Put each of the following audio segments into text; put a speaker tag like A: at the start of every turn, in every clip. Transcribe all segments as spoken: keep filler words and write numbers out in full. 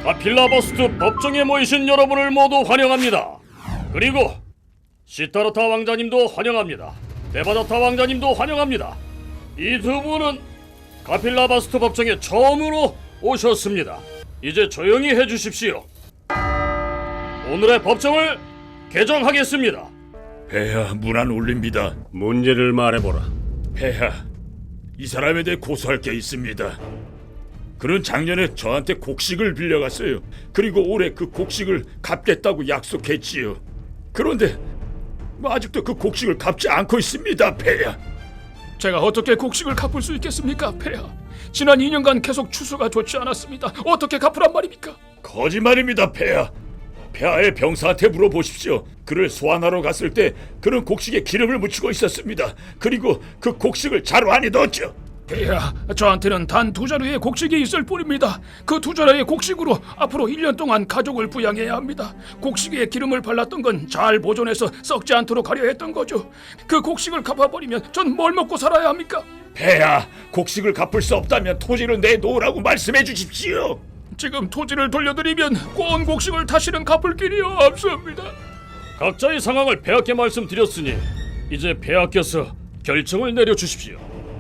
A: 가필라버스트 법정에 모이신 여러분을 모두 환영합니다. 그리고 시타르타 왕자님도 환영합니다. 데바다타 왕자님도 환영합니다. 이 두 분은 가필라버스트 법정에 처음으로 오셨습니다. 이제 조용히 해주십시오. 오늘의 법정을 개정하겠습니다.
B: 폐하, 문안 올립니다.
A: 문제를 말해보라.
B: 폐하, 이 사람에 대해 고소할 게 있습니다. 그는 작년에 저한테 곡식을 빌려갔어요. 그리고 올해 그 곡식을 갚겠다고 약속했지요. 그런데 뭐 아직도 그 곡식을 갚지 않고 있습니다, 폐하.
C: 제가 어떻게 곡식을 갚을 수 있겠습니까, 폐하? 지난 이 년간 계속 추수가 좋지 않았습니다. 어떻게 갚으란 말입니까?
B: 거짓말입니다, 폐하. 폐하의 병사한테 물어보십시오. 그를 소환하러 갔을 때 그는 곡식에 기름을 묻히고 있었습니다. 그리고 그 곡식을 자루 안에 넣었죠.
C: 폐하, 저한테는 단 두 자루의 곡식이 있을 뿐입니다. 그 두 자루의 곡식으로 앞으로 일 년 동안 가족을 부양해야 합니다. 곡식에 기름을 발랐던 건 잘 보존해서 썩지 않도록 하려 했던 거죠. 그 곡식을 갚아버리면 전 뭘 먹고 살아야 합니까?
B: 폐하, 곡식을 갚을 수 없다면 토지를 내놓으라고 말씀해 주십시오.
C: 지금 토지를 돌려드리면 꼬은 곡식을 다시는 갚을 길이 없습니다.
A: 각자의 상황을 폐하께 말씀드렸으니 이제 폐하께서 결정을 내려주십시오.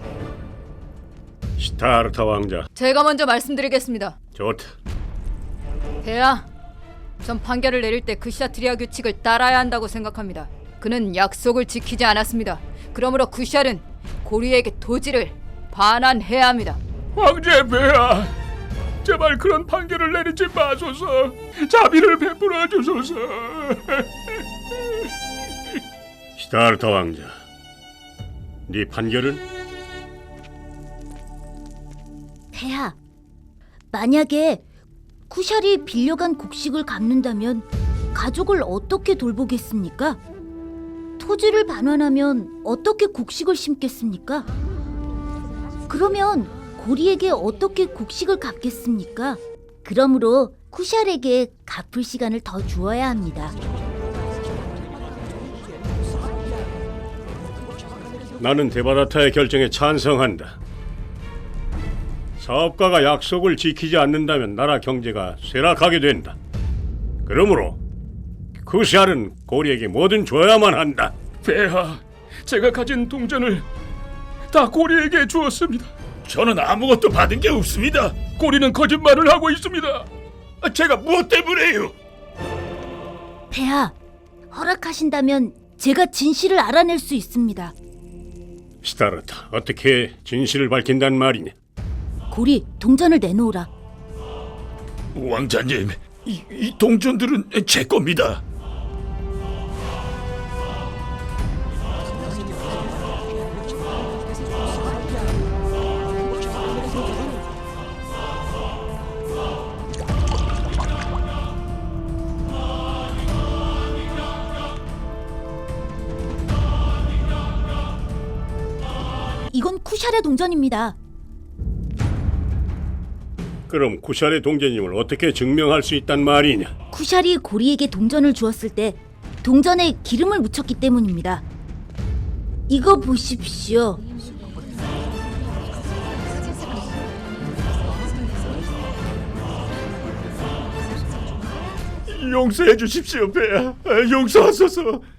D: 시타르타 왕자,
E: 제가 먼저 말씀드리겠습니다.
D: 좋다.
E: 폐하, 전 판결을 내릴 때 그샤트리아 규칙을 따라야 한다고 생각합니다. 그는 약속을 지키지 않았습니다. 그러므로 쿠샬은 고리에게 토지를 반환해야 합니다.
C: 황제 폐하, 제발 그런 판결을 내리지 마소서. 자비를 베풀어 주소서.
D: 시타르타 왕자, 네 판결은?
F: 폐하, 만약에 쿠샬이 빌려간 곡식을 갚는다면 가족을 어떻게 돌보겠습니까? 토지를 반환하면 어떻게 곡식을 심겠습니까? 그러면 고리에게 어떻게 곡식을 갚겠습니까? 그러므로 쿠샬에게 갚을 시간을 더 주어야 합니다.
D: 나는 데바다타의 결정에 찬성한다. 사업가가 약속을 지키지 않는다면 나라 경제가 쇠락하게 된다. 그러므로 쿠샬은 고리에게 뭐든 줘야만 한다.
C: 폐하, 제가 가진 동전을 다 고리에게 주었습니다.
B: 저는 아무것도 받은 게 없습니다.
C: 고리는 거짓말을 하고 있습니다.
B: 제가 무엇 때문에요?
F: 폐하, 허락하신다면 제가 진실을 알아낼 수 있습니다.
D: 시타르타, 어떻게 진실을 밝힌단 말이냐?
F: 고리, 동전을 내놓으라.
B: 왕자님, 이, 이 동전들은 제 겁니다.
F: 이건 쿠샬의 동전입니다.
D: 그럼 쿠샬의 동전임을 어떻게 증명할 수 있단 말이냐?
F: 쿠샬이 고리에게 동전을 주었을 때 동전에 기름을 묻혔기 때문입니다. 이거 보십시오.
B: 용서해 주십시오, 폐하. 용서하소서.